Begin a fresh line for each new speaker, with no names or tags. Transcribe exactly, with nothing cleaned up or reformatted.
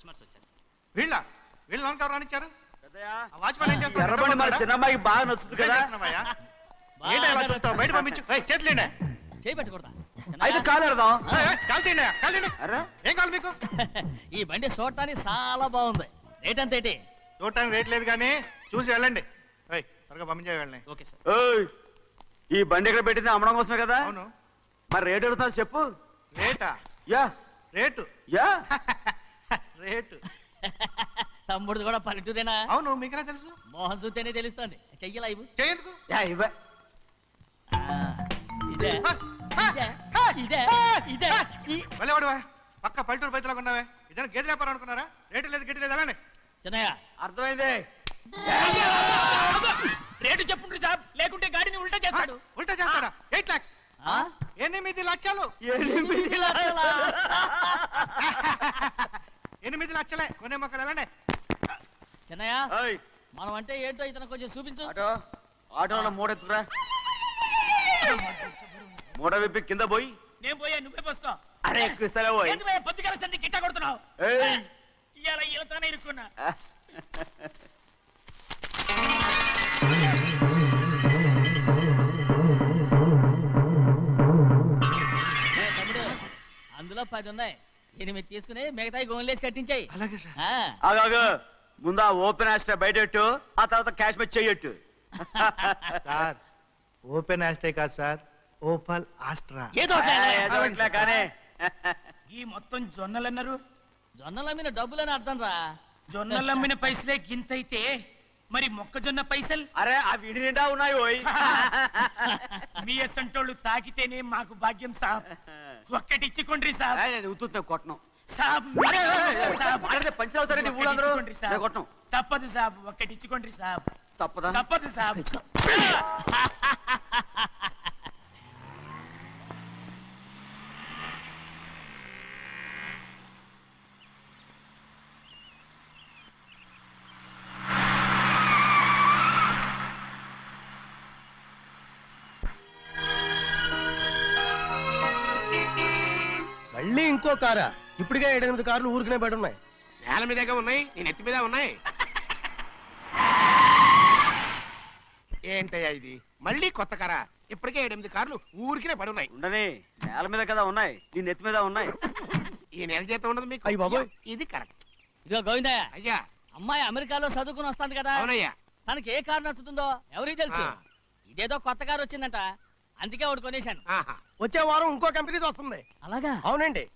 Customers వచ్చారు.
వీళ్ళ వీళ్ళు లోన్ కవర్ రానిచ్చారు.
ఎర్రబండి మన చిన్నమ్మాయికి బాగా నచ్చుతుంది కదా.
ఏంటి అలా చూస్తావు? బయట పంపించు. చేతులేండి.
చేయి పెట్టకూడదా?
అయితే కాలు ఎడదాం.
కాలు తీయండి, కాలు తీయండి. ఏం కావాలి మీకు?
ఈ బండి చూడటానికి చాలా బాగుంది. రేట్ అంత ఏంటి?
చూడటానికి రేట్ లేదు కానీ చూసి వెళ్ళండి. త్వరగా పంపించే వెళ్ళండి.
Okay sir.
ఈ బండి ఇక్కడ పెట్టింది అమ్మడం కోసమే కదా.
అవును.
మరి రేట్ అడుగుతాను చెప్పు.
రేటా?
Yeah
rate
yeah
rate.
తమ్ముడు కూడా పల్లెటూరేనా?
అవును, మీకెలా తెలుసు?
మోహన్ చూస్తేనే తెలుస్తుంది. చెయ్యలా ఇవ్వు.
చేయందుకు?
యా ఇవ్వ.
ఇదే ఇదే ఇదే ఇదే
వెళ్ళవాడువా, పక్క పల్లెటూరు బయటలాగా ఉన్నావే. ఇదే గేదె వ్యాపారం అనుకున్నారా? రేటు లేదు గిట్టు లేదు. అలానే
చిన్నయ్య
అర్థమైంది.
రేటు చెప్పుండ్రి సాబ్, లేకుంటే గాడిని ఉల్టా చేస్తాడు.
ఉల్టా చేస్తాడా? ఎయిట్ లాక్స్ ఎనిమిది లక్షలు.
ఎనిమిది లక్షలా?
ఎనిమిది లక్షలే. కొనే మొక్కలు వెళ్ళండి.
చిన్నయ్య మనం అంటే ఏంటో ఇతను కొంచెం చూపించు.
ఆటో ఆటోలో మూడెత్తురా. మూడ విప్పి కింద పోయి.
నేను పోయా, నువ్వే పోసుకో.
అరే ఎక్కువ ఇస్తాలే పోయి.
పొద్దుగల సంధి గిట్ట కొడుతున్నావు. ఇవాళ ఈలతోనే ఇరుక్కున్నా. తమ్ముడు, అందులో పది ఉన్నాయి. ఎనిమిది తీసుకుని మిగతాయి గోన్లేసి కట్టించాయి.
అలాగే సార్.
ఆగాగు, ముందు ఆ ఓపెన్ ఆస్ట్రా బయటెట్టు, ఆ తర్వాత క్యాష్ మెచ్ చెయ్యట్టు.
సార్ ఓపెన్ ఆస్ట్రే కాదు సార్, ఓపల్ ఆస్ట్రా.
ఏదో
కానీ
ఈ మొత్తం జొన్నలన్నారు.
జొన్నల మీద డబ్బులని అర్థం రా.
జొన్నలు అమ్మిన పైసలే గింతైతే మరి మొక్కజొన్న పైసలు?
అరే ఆ విడి నిండా ఉన్నాయి ఓయ్.
మీ అసంటోళ్ళు తాకితేనే మాకు భాగ్యం సాబ్. ఒక్కటి ఇచ్చుకోండి సాబ్.
ఉత్తున్నా కొట్టను
సాబ్ సాబ్
పంచర్ అవుతారండి ఊళ్ళందరూ. కొట్టను.
తప్పదు సాబ్, ఒక్కటి ఇచ్చుకోండి సాబ్.
తప్పదా?
తప్పదు సాబ్.
మళ్ళీ ఇంకో కారా? ఇప్పటికే ఏడెనిమిది కార్లు ఊరికనే బయట ఉన్నాయి.
నేల మీదగా ఉన్నాయి, నేను ఎత్తి మీద ఉన్నాయి. ఏంటయ్యా ఇది? మళ్ళీ కొత్త కారా? ఇప్పటికే ఏడెనిమిది కార్లు ఊరికినే పడి ఉన్నాయి.
ఉండని, నేల మీద కదా ఉన్నాయి, నీ నెత్తి మీద ఉన్నాయి.
ఈ నెల జీతం ఉండదు మీకు.
అయ్య బాబోయ్.
ఇది కరెక్ట్.
ఇదిగో గోవిందయ్య,
అయ్యా.
అమ్మాయి అమెరికాలో చదువుకుని వస్తాంది కదా.
అవునయ్యా.
తనకి ఏ కారు నచ్చుతుందో ఎవరికి తెలుసు.
ఆ.
ఇదేదో కొత్త కారు వచ్చిందంట, అందుకే ఒకటి కొనేశాను.
ఆహా.
వచ్చే వారం ఇంకో కంపెనీది వస్తుంది.
అలాగా?
అవునండి,